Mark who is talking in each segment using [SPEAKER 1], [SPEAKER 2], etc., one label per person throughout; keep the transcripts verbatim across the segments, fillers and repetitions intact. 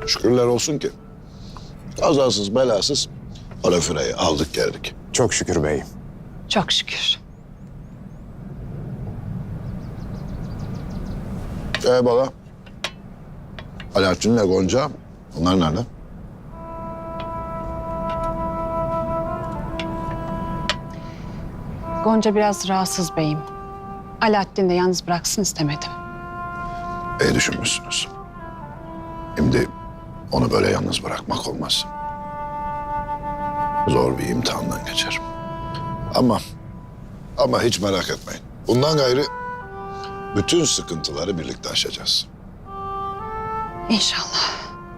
[SPEAKER 1] Şükürler olsun ki kazasız belasız Alafira'yı aldık geldik.
[SPEAKER 2] Çok şükür beyim.
[SPEAKER 3] Çok şükür.
[SPEAKER 1] Ee baba, Alaaddin'le Gonca, onlar nerede?
[SPEAKER 3] Gonca biraz rahatsız beyim. Alaaddin de yalnız bıraksın istemedim.
[SPEAKER 1] İyi düşünmüşsünüz. Şimdi onu böyle yalnız bırakmak olmaz. Zor bir imtihandan geçer. Ama, ama hiç merak etmeyin. Bundan gayrı bütün sıkıntıları birlikte aşacağız.
[SPEAKER 3] İnşallah.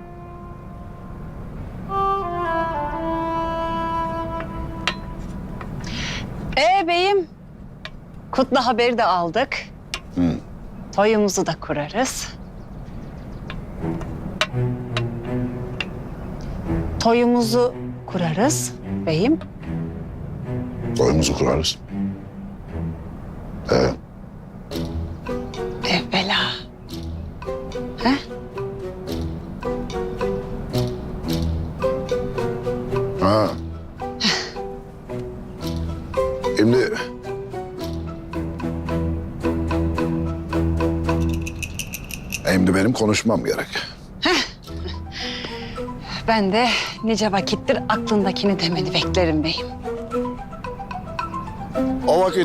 [SPEAKER 3] Ee beyim, kutlu haberi de aldık.
[SPEAKER 1] Hı.
[SPEAKER 3] Toyumuzu da kurarız. Toyumuzu kurarız beyim.
[SPEAKER 1] Toyumuzu kurarız. Ee,
[SPEAKER 3] Evvela. He?
[SPEAKER 1] ha. Şimdi Şimdi benim konuşmam gerek.
[SPEAKER 3] Ben de nice vakittir aklındakini demeni beklerim beyim.
[SPEAKER 1] O vakit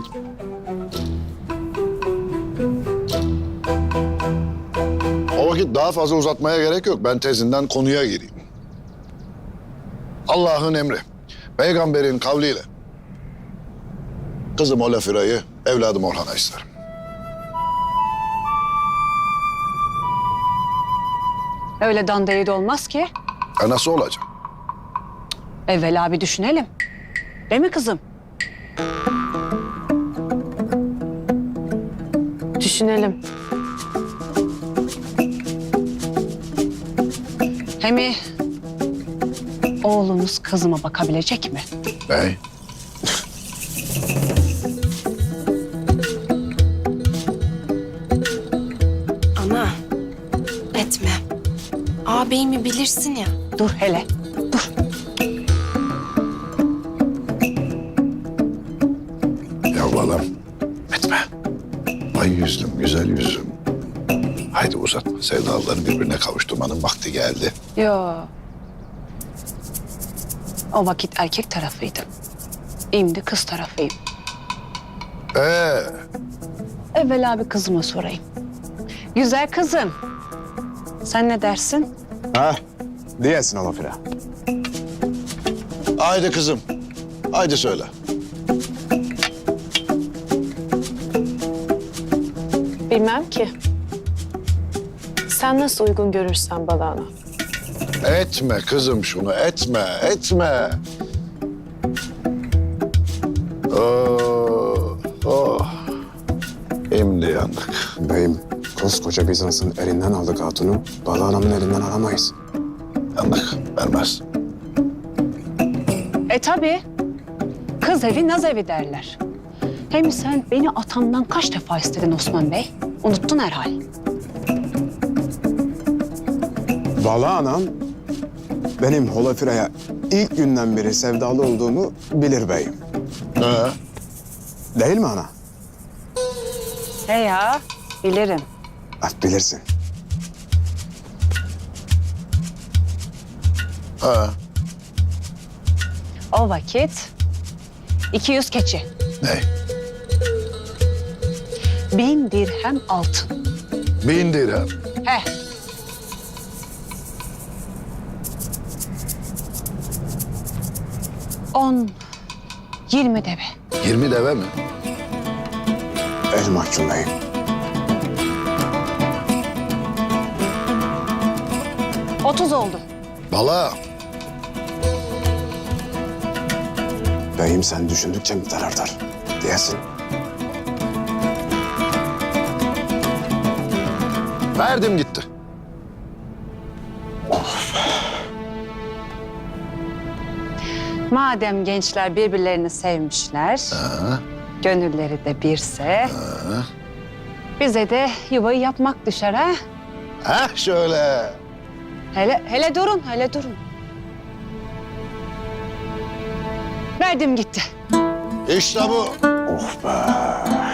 [SPEAKER 1] o vakit daha fazla uzatmaya gerek yok. Ben tezinden konuya gireyim. Allah'ın emri, peygamberin kavliyle kızım Olafira'yı evladım Orhan'a isterim.
[SPEAKER 3] Öyle dandayı da olmaz ki.
[SPEAKER 1] E nasıl olacak?
[SPEAKER 3] Evvela bir düşünelim. Değil mi kızım?
[SPEAKER 4] Düşünelim.
[SPEAKER 3] Hem oğlunuz kızıma bakabilecek mi?
[SPEAKER 1] Bey,
[SPEAKER 4] Ana, etme. Ağabeyimi bilirsin ya.
[SPEAKER 3] Dur hele, dur.
[SPEAKER 1] yavrum etme. Ay yüzlüm, güzel yüzüm. Haydi uzatma. Sevdalıları birbirine kavuşturmanın vakti geldi.
[SPEAKER 3] Yo. O vakit erkek tarafıydım. Şimdi kız tarafıyım.
[SPEAKER 1] Ee,
[SPEAKER 3] Evvela bir kızıma sorayım. Güzel kızım. Sen ne dersin?
[SPEAKER 2] Ha, diyesin Alafira.
[SPEAKER 1] haydi kızım. Haydi söyle.
[SPEAKER 4] Bilmem ki. Sen nasıl uygun görürsen balana.
[SPEAKER 1] Etme kızım şunu, etme, etme. Oh, oh. Şimdi yandık.
[SPEAKER 2] Beyim, koskoca Bizans'ın elinden aldık hatunu, Bala Hanım'ın elinden alamayız.
[SPEAKER 1] Yandık, vermez.
[SPEAKER 3] E tabii. Kız evi naz evi derler. Hem sen beni atamdan kaç defa istedin Osman Bey? Unuttun herhal.
[SPEAKER 2] Bala Hanım, benim Holafira'ya ilk günden beri sevdalı olduğumu bilir beyim.
[SPEAKER 1] Ne?
[SPEAKER 2] Değil mi ana?
[SPEAKER 3] He ya, bilirim.
[SPEAKER 2] Ah, bilirsin.
[SPEAKER 1] Ha,
[SPEAKER 3] O vakit iki yüz keçi,
[SPEAKER 1] ne?
[SPEAKER 3] bin dirhem altın.
[SPEAKER 1] Bin dirhem.
[SPEAKER 3] He. On, yirmi deve.
[SPEAKER 1] Yirmi deve mi?
[SPEAKER 2] El mahkum beyim.
[SPEAKER 3] Otuz oldu.
[SPEAKER 1] Bala.
[SPEAKER 2] Beyim sen düşündükçe miktar artar. Diyesin.
[SPEAKER 1] Verdim gitti.
[SPEAKER 3] Madem gençler birbirlerini sevmişler,
[SPEAKER 1] Ha,
[SPEAKER 3] gönülleri de birse,
[SPEAKER 1] ha.
[SPEAKER 3] bize de yuvayı yapmak düşer ha.
[SPEAKER 1] Ha şöyle.
[SPEAKER 3] Hele, hele durun, hele durun. Verdim gitti.
[SPEAKER 1] İşte bu.
[SPEAKER 2] Oh be.